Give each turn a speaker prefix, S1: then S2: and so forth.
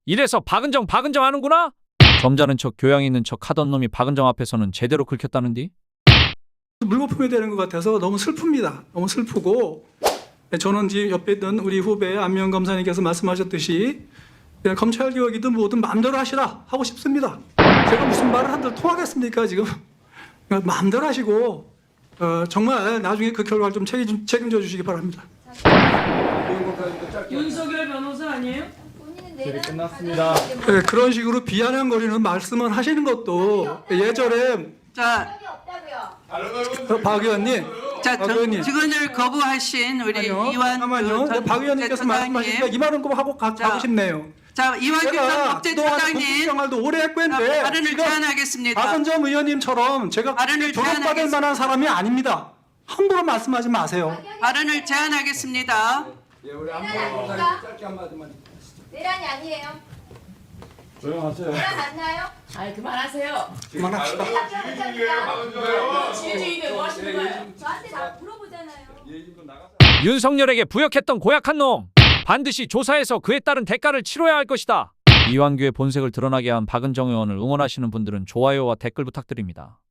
S1: 이래서 박은정 하는구나? 점잖은 척 교양 있는 척 하던 놈이 박은정 앞에서는 제대로 긁혔다는디?
S2: 물거품이 되는 것 같아서 너무 슬픕니다. 너무 슬프고 저는 지금 옆에 있던 우리 후배 안명 검사님께서 말씀하셨듯이 그냥 검찰 개혁이든 뭐든 마음대로 하시라 하고 싶습니다. 제가 무슨 말을 한들 통하겠습니까 지금? 마음대로 하시고 정말 나중에 그 결과를 좀 책임져 주시기 바랍니다.
S3: 윤석열 변호사 아니에요?
S4: 끝났습니다.
S2: 그런 식으로 비아냥거리는 말씀을 하시는 것도 예전에
S5: 자,
S2: 박 의원님,
S5: 자,
S2: 박 의원님.
S5: 증언을 거부하신 우리 이완
S2: 잠깐만요. 박 의원님께서 말씀하시니까 이 말은 꼭 하고 가고 싶네요.
S5: 자, 이완규 전
S2: 제가
S5: 법제처장님
S2: 생활도 오래 했고 했는데
S5: 발언을
S2: 지금
S5: 제안하겠습니다.
S2: 박은정 의원님처럼 제가
S5: 발언을
S2: 조롱받을
S5: 제안하겠습니다.
S2: 만한 사람이 아닙니다. 함부로 말씀하지 마세요.
S5: 발언을 제안하겠습니다.
S6: 내란이 아니에요.
S4: 조용하세요.
S6: 내란 맞나요?
S3: 아이 그만하세요.
S2: 그만합시다.
S3: 지휘주의들 뭐 하시는 거예요?
S6: 저한테 다 물어보잖아요.
S1: 윤석열에게 부역했던 고약한 놈 반드시 조사해서 그에 따른 대가를 치러야 할 것이다. 이완규의 본색을 드러나게 한 박은정 의원을 응원하시는 분들은 좋아요와 댓글 부탁드립니다.